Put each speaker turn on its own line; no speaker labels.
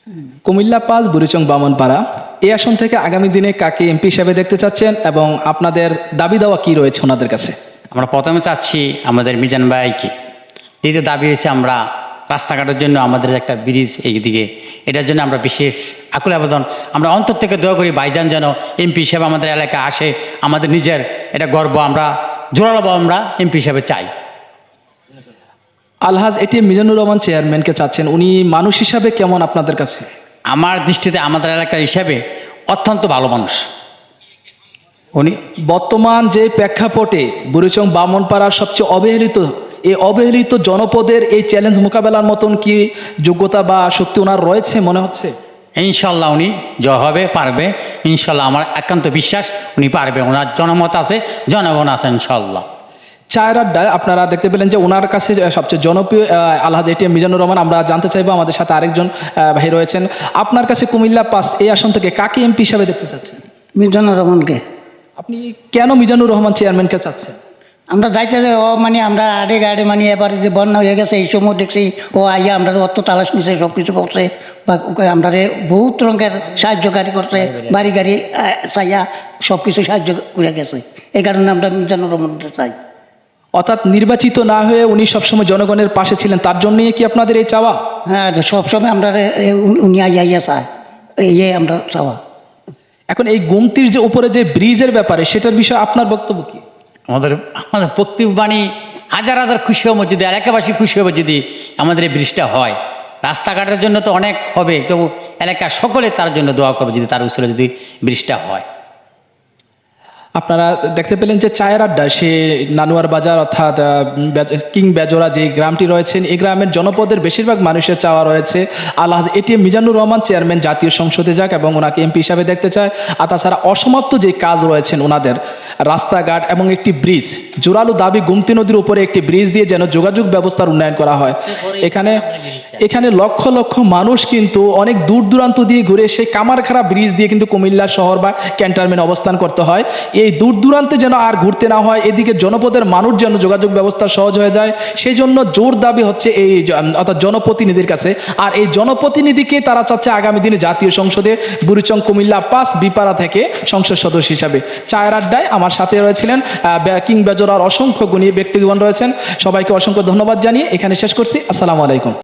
কুমিল্লা ৫ বুড়িচং বামনপাড়া এই আসন থেকে আগামী দিনে কাকে এমপি হিসেবে দেখতে চাচ্ছেন এবং আপনাদের দাবি দেওয়া কি রয়েছে ওনাদের কাছে?
আমরা প্রথমে চাচ্ছি আমাদের মিজান ভাইকে। দ্বিতীয় দাবি হয়েছে আমরা রাস্তাঘাটের জন্য আমাদের একটা ব্রিজ এইদিকে, এটার জন্য আমরা বিশেষ আকুল আবেদন, আমরা অন্তর থেকে দোয়া করি ভাইজান যেন এমপি হিসেবে আমাদের এলাকায় আসে। আমাদের নিজের এটা গর্ব, আমরা জোরালো আমরা এমপি হিসেবে চাই।
আলহাজ এটিএম মিজানুর রহমান চেয়ারম্যানকে চাচ্ছেন, উনি মানুষ হিসাবে কেমন আপনাদের কাছে?
আমার দৃষ্টিতে আমাদের এলাকা হিসাবে অত্যন্ত ভালো মানুষ উনি।
বর্তমান যে প্রেক্ষাপটে বুড়িচং বামনপাড়ার সবচেয়ে অবহেলিত এই অবহেলিত জনপদের এই চ্যালেঞ্জ মোকাবেলার মতন কি যোগ্যতা বা শক্তি ওনার রয়েছে মনে হচ্ছে?
ইনশাল্লাহ উনি জয় হবে, পারবে ইনশাল্লাহ। আমার একান্ত বিশ্বাস উনি পারবে, ওনার জনমত আছে, জনগণ আছে ইনশাল্লাহ।
চায়ের আড্ডায় আপনারা দেখতে পেলেন যে ওনার কাছে সবচেয়ে জনপ্রিয় আলহাজ এটিএম মিজানুর রহমান। আমরা জানতে চাইবো, আমাদের সাথে আরেকজন ভাই রয়েছেন, আপনার কাছে কুমিল্লা ৫ এই আসন থেকে কাকে এমপি হিসাবে দেখতে চাচ্ছেন?
মিজানুর রহমানকে।
আপনি কেন মিজানুর রহমান চেয়ারম্যানকে চাচ্ছেন?
আমরা যাইতে যে ও মানে আমরা আড়ে মানে এবারে যে বন্যা হয়ে গেছে এই সময় দেখছি ও আইয়া আমরা অত তালাশ নিছে, সব কিছু করছে বা আমরা বহুত রঙের সাহায্যকারী করছে, বাড়ি গাড়ি চাইয়া সব কিছু সাহায্য করে গেছে। এই কারণে আমরা মিজানুর রহমানকে চাই।
অর্থাৎ নির্বাচিত না হয়ে উনি সবসময় জনগণের পাশে ছিলেন, তার জন্যই কি আপনাদের এই চাওয়া?
হ্যাঁ, সবসময় আমরা উনি আইয়া চাই, এই আমরা চাওয়া।
এখন এই গুমতির যে উপরে যে ব্রিজের ব্যাপারে, সেটার বিষয়ে আপনার বক্তব্য কি?
আমাদের আমাদের বক্তব্য বাণী হাজার হাজার খুশি হবো যদি, এলাকাবাসী খুশি হবে যদি আমাদের এই ব্রিজটা হয়। রাস্তাঘাটের জন্য তো অনেক হবে, তবু এলাকার সকলে তার জন্য দোয়া করবে যদি তার উসুলে যদি ব্রিজটা হয়।
আপনারা দেখতে পেলেন যে চায়ের আড্ডা, সে নানুয়ার বাজার অর্থাৎ কিং বেজোড়া যে গ্রামটি রয়েছেন, এই গ্রামের জনপদের বেশিরভাগ মানুষের চাওয়া রয়েছে আলহাজ এটিএম মিজানুর রহমান চেয়ারম্যান জাতীয় সংসদে যাক এবং ওনাকে এমপি হিসাবে দেখতে চায়। আর তাছাড়া অসমাপ্ত যে কাজ রয়েছেন ওনাদের, রাস্তাঘাট এবং একটি ব্রিজ, জোরালো দাবি গুমতি নদীর উপরে একটি ব্রিজ দিয়ে যেন যোগাযোগ ব্যবস্থার উন্নয়ন করা হয়। এখানে লক্ষ লক্ষ মানুষ কিন্তু অনেক দূর দূরান্ত দিয়ে ঘুরে সেই কামারখাড়া ব্রিজ দিয়ে কিন্তু কুমিল্লা শহর বা ক্যান্টনমেন্ট অবস্থান করতে হয়। এই দূর দূরান্তে যেন আর ঘুরতে না হয়, এদিকে জনপদের মানুষ যেন যোগাযোগ ব্যবস্থা সহজ হয়ে যায়, সেই জন্য জোর দাবি হচ্ছে এই অর্থাৎ জনপ্রতিনিধির কাছে। আর এই জনপ্রতিনিধিকে তারা চাচ্ছে আগামী দিনে জাতীয় সংসদে বুড়িচং কুমিল্লা ৫ বিপাড়া থেকে সংসদ সদস্য হিসাবে। চায়ের আড্ডায় আমার সাথে রয়েছিলেন কিং বেজোরার অসংখ্য গুণী ব্যক্তিগণ রয়েছেন। সবাইকে অসংখ্য ধন্যবাদ জানিয়ে এখানে শেষ করছি। আসসালামু আলাইকুম।